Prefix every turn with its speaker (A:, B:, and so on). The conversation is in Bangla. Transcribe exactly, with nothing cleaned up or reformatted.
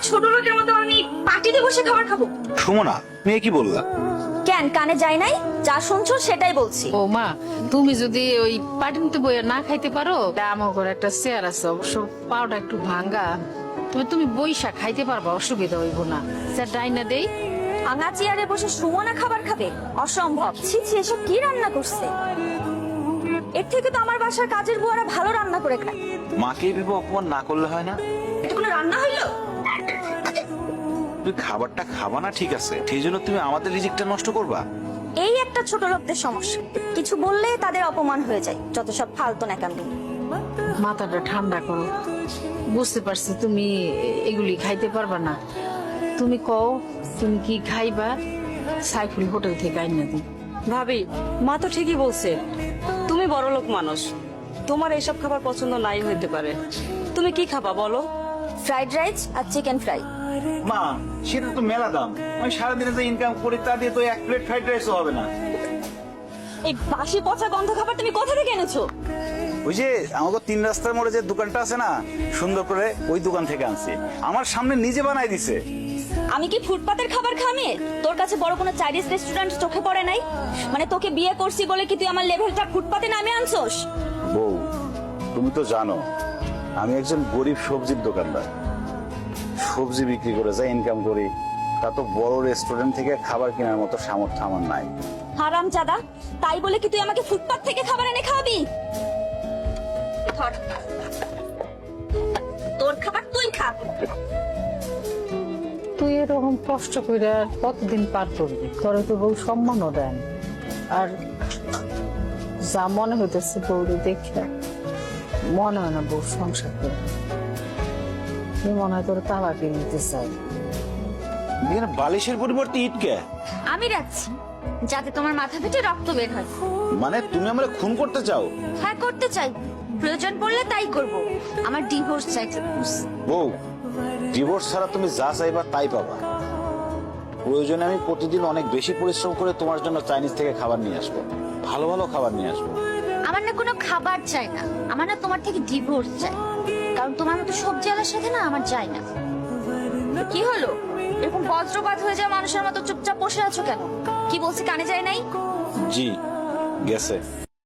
A: ছোট লোকের মতো আমি পার্টিতে বসে খাবার খাবো?
B: সুমনা, মেয়ে কি বললা?
A: কেন কানে যায় নাই? যা শুনছো সেটাই বলছি।
C: ও মা, তুমি যদি ওই পাটিনতে বইয়া না খাইতে পারো, আমার ঘরে একটা চেয়ার আছে, অবশ্য পাওটা একটু ভাঙ্গা, তবে তুমি বইসা খাইতে পারবা, অসুবিধা হইব না। স্যার ডাইনা দেই।
A: ভাঙা চেয়ারে বসে সুমনা খাবার খাবে? অসম্ভব। ছি ছি, এসব কি রান্না করছে? এর থেকে তো আমার বাসার কাজের বুয়ারা ভালো রান্না করে খায়।
B: মাকে ভেবে অপমান না করলে হয় না?
A: এটা কোনো রান্না হইলো?
B: তুমি খাবারটা খাবা না ঠিক আছে, সেই জন্য তুমি আমাদের রিজিকটা নষ্ট করবা?
A: এই একটা ছোট লোকদের সমস্যা, কিছু বললে তাদের অপমান হয়ে যায়, যত সব ফালতু ন্যাকামি।
C: মাথাটা ঠান্ডা করো, বুঝতে পারছি তুমি এগুলি খাইতে পারবা না। তুমি কও তুমি কি খাইবা, সাইফুল হোটেল থেকে আইনা দিই।
D: ভাবি, মা তো ঠিকই বলছে, তুমি বড় লোক মানুষ, তোমার এইসব খাবার পছন্দ নাই হইতে পারে। তুমি কি খাবা বলো?
A: ফ্রাইড রাইস আর চিকেন ফ্রাই।
B: মা, সেটা তো মেলা দাম, আমি সারাদিনে যে ইনকাম করি তা দিয়ে তো এক প্লেট ফ্রাইড রাইসও হবে না।
A: এই বাসি পচা গন্ধ খাবার তুমি কোথা থেকে এনেছো?
B: ওই যে আমাকে তিন রাস্তার মোড়ে যে দোকানটা আছে না, সুন্দর করে ওই দোকান থেকে আনছি, আমার সামনে নিজে বানাই দিছে।
A: আমি কি ফুটপাতের খাবার খামে? তোর কাছে বড় কোনো চাইনিজ রেস্টুরেন্ট চোখে পড়ে নাই? মানে তোকে বিয়ে করছি বলে কি তুই আমার লেভেলটা ফুটপাতে নামে আনছোস?
B: বউ, তুমি তো জানো আমি একজন গরিব সবজির দোকানদার, সবজি বিক্রি করে যা ইনকাম করি তা তো বড় রেস্টুরেন্ট থেকে খাবার কেনার মতো সামর্থ্য আমার নাই।
A: হারাম জাদা, তাই বলে কি তুই আমাকে ফুটপাত থেকে খাবার এনে খাওয়াবি? ধর, তোর খাবার তুই খা।
C: তুই এরকম কষ্ট করে আর কতদিন পার করবি? তোরে তো বউ সম্মানও দেন, আর যা মনে হইতেছে বউরে দেখে মনে হয় না বউ সংসার করে, মনে হয় তোর তালাকে নিতে চাই।
B: এখানে বালিশের পরিবর্তে ইটকে?
A: আমি রাখছি যাতে তোমার মাথা ফেটে রক্ত বের হয়।
B: মানে তুমি আমরা খুন করতে চাও?
A: হ্যাঁ করতে চাই, প্রয়োজন পড়লে তাই করব। আমার ডিভোর্স চাই।
B: বউ, ডিভোর্স ছাড়া তুমি যা চাইবা তাই পাবা। প্রয়োজনে আমি প্রতিদিন অনেক বেশি পরিশ্রম করে তোমার জন্য চাইনিজ থেকে খাবার নিয়ে আসবো, ভালো ভালো খাবার নিয়ে আসবো।
A: আমার না কোনো খাবার চাই না, আমার না তোমার থেকে ডিভোর্স চাই, কারণ তোমার মতো সবজি আলার সাথে না আমার যায় না। কি হলো, এরকম বজ্রপাত হয়ে যাওয়া মানুষের মতো চুপচাপ বসে আছো কেন? কি বলছি কানে যায় নাই?
B: জি, গেছে।